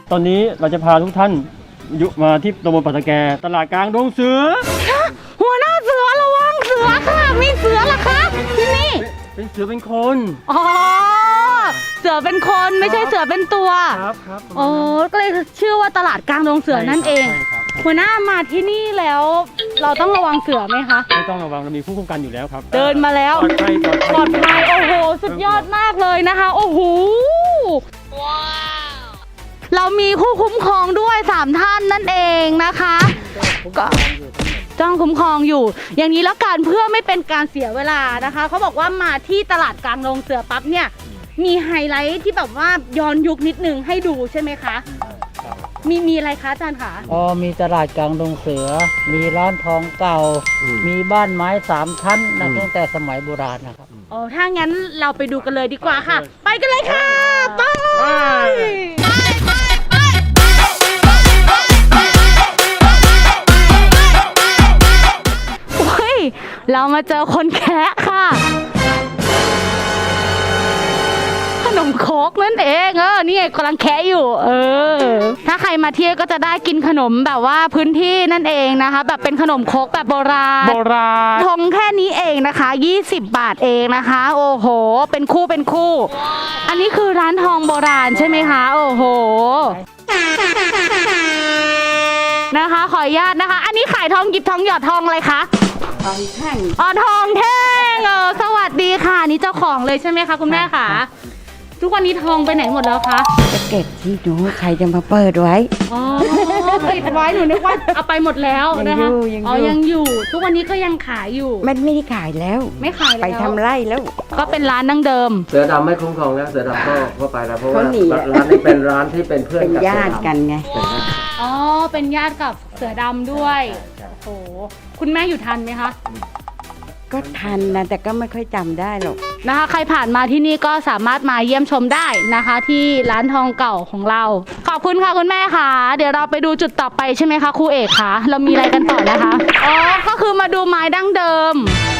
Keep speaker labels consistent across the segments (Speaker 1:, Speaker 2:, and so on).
Speaker 1: ตอนนี้เราจะพาทุกท่านมาที่ตำบลปัตตะแกตลาดกลางดงเสือ
Speaker 2: หัวหน้าเสือระวังเสือค่ะมีเสือเหรอคะที่นี่
Speaker 1: เป็นเสือเป็นคน
Speaker 2: อ๋อเสือเป็นคนไม่ใช่เสือเป็นตัว
Speaker 1: ครับ
Speaker 2: โอ้ก็เลยชื่อว่าตลาดกลางดงเสือนั่นเองหัวหน้ามาที่นี่แล้วเราต้องระวังเสือไหมคะ
Speaker 1: ไม่ต้องระวังเรามีผู้คุ้มกันอยู่แล้วครับ
Speaker 2: เดินมาแล้วปลอดภัยโอ้โหสุดยอดมากเลยนะคะโอ้โหว้าวเรามีผู้คุ้มครองด้วย3ท่านนั่นเองนะคะก็จ้องคุ้มครองอยู่อย่างนี้แล้วกันเพื่อไม่เป็นการเสียเวลานะคะเขาบอกว่ามาที่ตลาดกลางดงเสือปั๊บเนี่ยมีไฮไลท์ที่แบบว่าย้อนยุคนิดนึงให้ดูใช่ไหมคะมีอะไรคะอาจารย์คะ
Speaker 3: มีตลาดกลางดงเสือมีร้านทองเก่ามีบ้านไม้3ชั้นนะตั้งแต่สมัยโบราณนะครับ
Speaker 2: ถ้างั้นเราไปดูกันเลยดีกว่าค่ะไปกันเลยค่ะไปเรามาเจอคนแคะค่ะขนมโคกนั่นเองนี่ไงกำลังแคะอยู่ถ้าใครมาเที่ยวก็จะได้กินขนมแบบว่าพื้นที่นั่นเองนะคะแบบเป็นขนมโคกแบบโบราณทงแค่นี้เองนะคะ20 บาทเองนะคะโอ้โหเป็นคู่อันนี้คือร้านทองโบราณใช่ไหมคะโอ้โหนะคะขออนุญาตนะคะอันนี้ขายทองหยิบทองหยอดทองอะไรคะ
Speaker 3: ทองแท่ง
Speaker 2: ทองแท่งสวัสดีค่ะนี่เจ้าของเลยใช่ไหมคะคุณแม่คะทุกวันนี้ทองไปไหนหมดแล้วคะ
Speaker 3: จะเก็บที่ดูใครจะมาเปิดไว้
Speaker 2: ติดไว้หนูนึกว่าเอาไปหมดแล้วนะคะยังอยู่ทุกวันนี้ก็ยังขายอยู่
Speaker 3: ไม่ได้ขายแล้ว
Speaker 2: ไม่ขายแล้ว
Speaker 3: ไปทำไร่แล้ว
Speaker 2: ก็เป็นร้านดั้งเดิม
Speaker 4: เสือดำไม่คุ้มครองแล้วเสือดำก็ไปแล้วเพราะว่าร้านนี้เป็นร้านที่เป็นเพื่อน
Speaker 3: กับญาติกันไง
Speaker 2: เป็นญาติกับเสือดำด้วยโอ้โหคุณแม่อยู่ทันไหมคะ
Speaker 3: ก็ทันนะแต่ก็ไม่ค่อยจำได้หรอก
Speaker 2: นะคะใครผ่านมาที่นี่ก็สามารถมาเยี่ยมชมได้นะคะที่ร้านทองเก่าของเราขอบคุณค่ะคุณแม่ค่ะเดี๋ยวเราไปดูจุดต่อไปใช่ไหมคะครูเอกคะเรามีอะไรกันต่อนะคะก็คือมาดูไม้ดั้งเดิม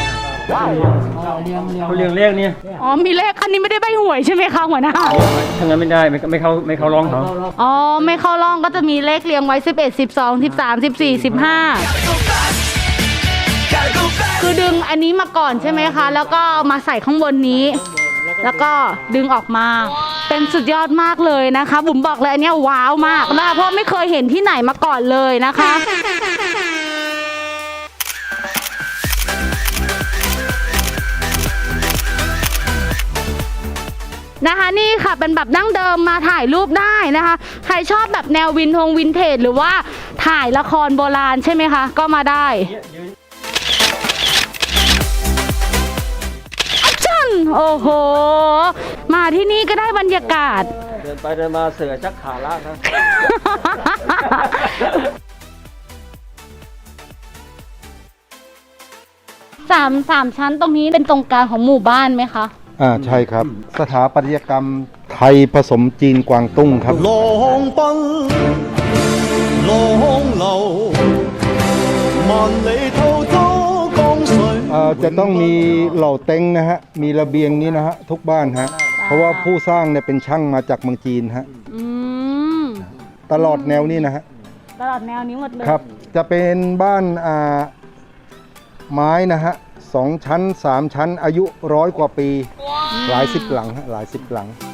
Speaker 1: เขาเรียงเลขเนี่ย
Speaker 2: มีเลขอันนี้ไม่ได้ใบหวยใช่ไหมคะหัวหน้า
Speaker 1: ถ้างั้นไม่ได้ไม่เข้าร้องเขา
Speaker 2: ไม่เข้าร้องก็จะมีเลขเรียงไว้11 12 13 14 15คือดึงอันนี้มาก่อนใช่ไหมคะแล้วก็มาใส่ข้างบนนี้แล้วก็ดึงออกมาเป็นสุดยอดมากเลยนะคะบุ๋มบอกเลยอันนี้ว้าวมากนะคะเพราะไม่เคยเห็นที่ไหนมาก่อนเลยนะคะนี่ค่ะเป็นแบบดั้งเดิมมาถ่ายรูปได้นะคะใครชอบแบบแนววินเทจหรือว่าถ่ายละครโบราณใช่ไหมคะก็มาได้โอ้โหมาที่นี่ก็ได้บรรยากาศ
Speaker 4: เดินไปเดินมาเสือชักขาล่างครับ
Speaker 2: สามชั้นตรงนี้เป็นตรงกลางของหมู่บ้านไหมคะ
Speaker 5: ใช่ครับสถาปัตยกรรมไทยผสมจีนกวางตุ้งครับจะต้องมีเหล่าเต็งนะฮะมีระเบียงนี้นะฮะทุกบ้านฮะเพราะว่าผู้สร้างเนี่ยเป็นช่างมาจากเมืองจีนฮะตลอดแนวนี้นะฮะ
Speaker 2: ตลอดแนวนี้หมดเลย
Speaker 5: ครับจะเป็นบ้านไม้นะฮะ2 ชั้น 3 ชั้นอายุ100 กว่าปีหลายสิบหลังฮะหลายสิบหลัง